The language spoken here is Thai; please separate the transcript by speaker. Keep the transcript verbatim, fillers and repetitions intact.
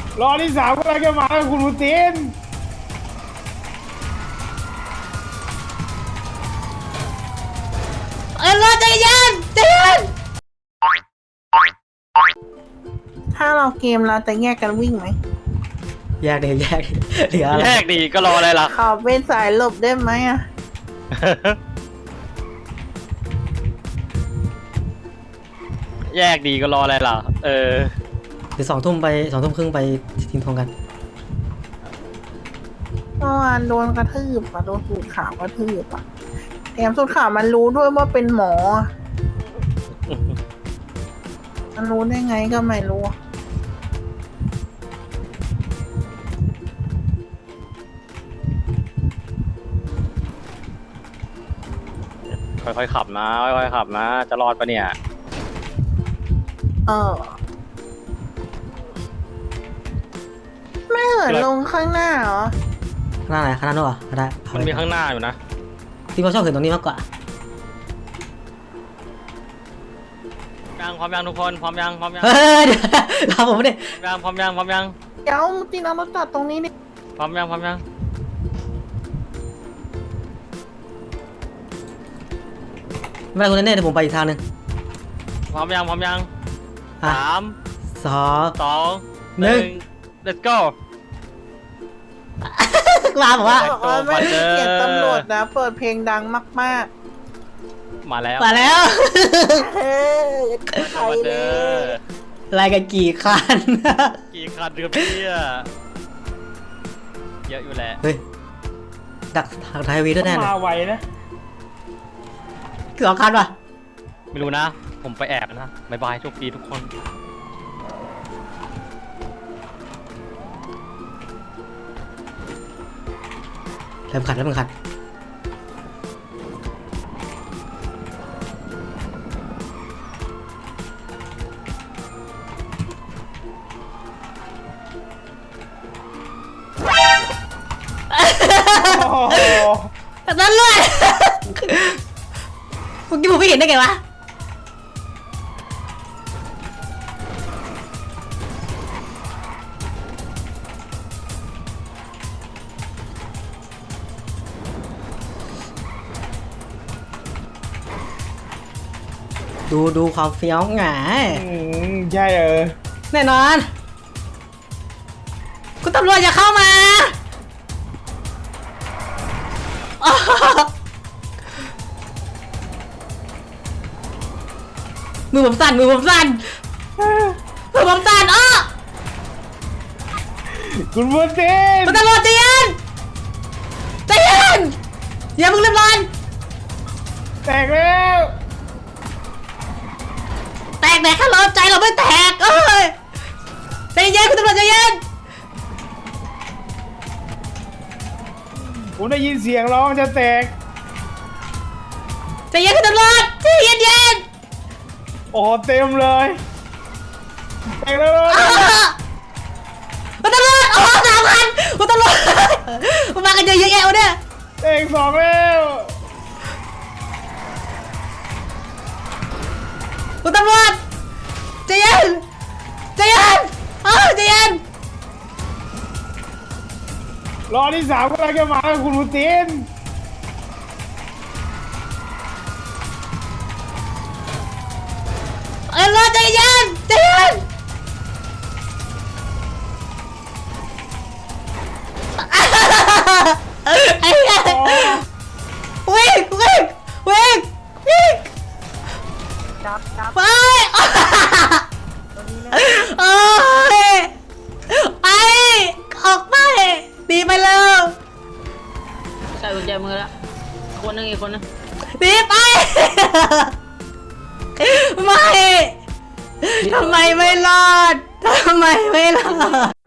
Speaker 1: รอที่สามกำลังจะมาแล้วคุณปูติน
Speaker 2: เออรอใจเย็นใจเย็น
Speaker 3: ถ้าเราเกมเราจะแยกกันวิ่งไหม
Speaker 2: แยกเดี๋ยวแยกเดี๋ยวอะไร
Speaker 4: แยกดีก็รออะไรล่ะ
Speaker 3: ขอเป็นสายหลบได้ไหมอ่ะ
Speaker 4: แยกดีก็รออะไรล่ะเออ
Speaker 2: เดี๋ยวสองทุ่มไปสองทุ่มครึ่งไปทิ้งทองกัน
Speaker 3: เมื่อวานโดนกระทืบอ่ะโดนสูตรขาวกระทืบอ่ะแถมสูตรขาวมันรู้ด้วยว่าเป็นหมอ มันรู้ได้ไงก็ไม่รู้
Speaker 4: ค่อยๆขับนะค่อยๆขับนะจะรอดปะเนี่ย
Speaker 3: เออไม่เหินลงข้างหน้าเหรอ
Speaker 2: ข้างหน้าไหนข้างหน้าโน่นก็ได้
Speaker 4: มันมีข้างหน้าอยู่นะ
Speaker 2: ที่เขาชอบเห็นตรงนี้มากกว่า
Speaker 4: ยังพร้อมยังทุกคนพร้อมยังพร้อมยัง
Speaker 2: เฮ้ยเดี๋ยวเราผมไม่ได้
Speaker 4: ยังพร้อมยังพร้อมยัง
Speaker 3: เดี๋ยวตีน้ำรถจอดตรงนี้ดิ
Speaker 4: พร้อมยังพร้อมยัง
Speaker 2: ไม่เป็นไรคุณเน่เดี๋ยวผมไปอีกทางหนึ่ง
Speaker 4: พร้อมยังพร้อมยังสาม
Speaker 2: สอง
Speaker 4: สองหนึ่ง let's go
Speaker 2: มาบอกว่า
Speaker 3: ไม่ได้เกียรติตำรวจนะเปิดเพลงดังมาก
Speaker 4: ๆมาแล้ว
Speaker 2: มาแล้ว
Speaker 3: เฮ้ยใครเลย
Speaker 2: รายกันกี่คัน
Speaker 4: กี่คันเรือพี่เยอะอยู่แหละ
Speaker 2: เฮ้ยดักทางไทยวีด้วยแน่เลย
Speaker 1: มาไวนะ
Speaker 2: คือสองคันป่ะ
Speaker 4: ไม่รู้นะผมไปแอบนะบายบายโชคดีทุกคน
Speaker 2: เริ่มขัดแล้วมึงขัดนั่นเลยเมื่อกี้ผมไม่เห็นได้ไงวะดูดูความเฟี้ยวหงาย
Speaker 1: ใช่เออ
Speaker 2: แน่นอนคุณตำรวจอย่าเข้ามามือผมสั่นมือผมสั่นมือผมสั่นอ้อ
Speaker 1: คุณปูติน
Speaker 2: คุณตำรวจใจเย็นใจเย็นอย่าเพิ่งเรียบร้อย
Speaker 1: แตกแล้ว
Speaker 2: แตกแตกแค่เราใจเราไม่แตกเอ้ยใจเย็นคุณตำรวจใจเย็น
Speaker 1: ผมได้ยินเสียงร้องจะแตก
Speaker 2: ใจเย็นคุณตำรวจใจเย็นเย็น
Speaker 1: โอ้เต็มเลยแตกแล้ว
Speaker 2: คุณตำรวจโอ้สามพันคุณตำรวจมากันเยอะแยะเนี่ย
Speaker 1: แตกสองแล้ว
Speaker 2: คุณตำรวจใจเย็นใจเย็นเออใจเย็น
Speaker 1: รอที่สามกำลังจะมาแล้วคุณปูติน
Speaker 2: เออรอใจเย็นใจเย็นไอ้เหี้ยวิ่งวิ่งวิ่งวิ่ง
Speaker 3: จับจับ
Speaker 2: ไปโอ้ยไปออกไปดีไปเลย
Speaker 5: ใส่กุญแจมือแล้วคนนึงอีกคนนึง
Speaker 2: ดีไปไม่ทำไมไม่รอดทำไมไม่รอด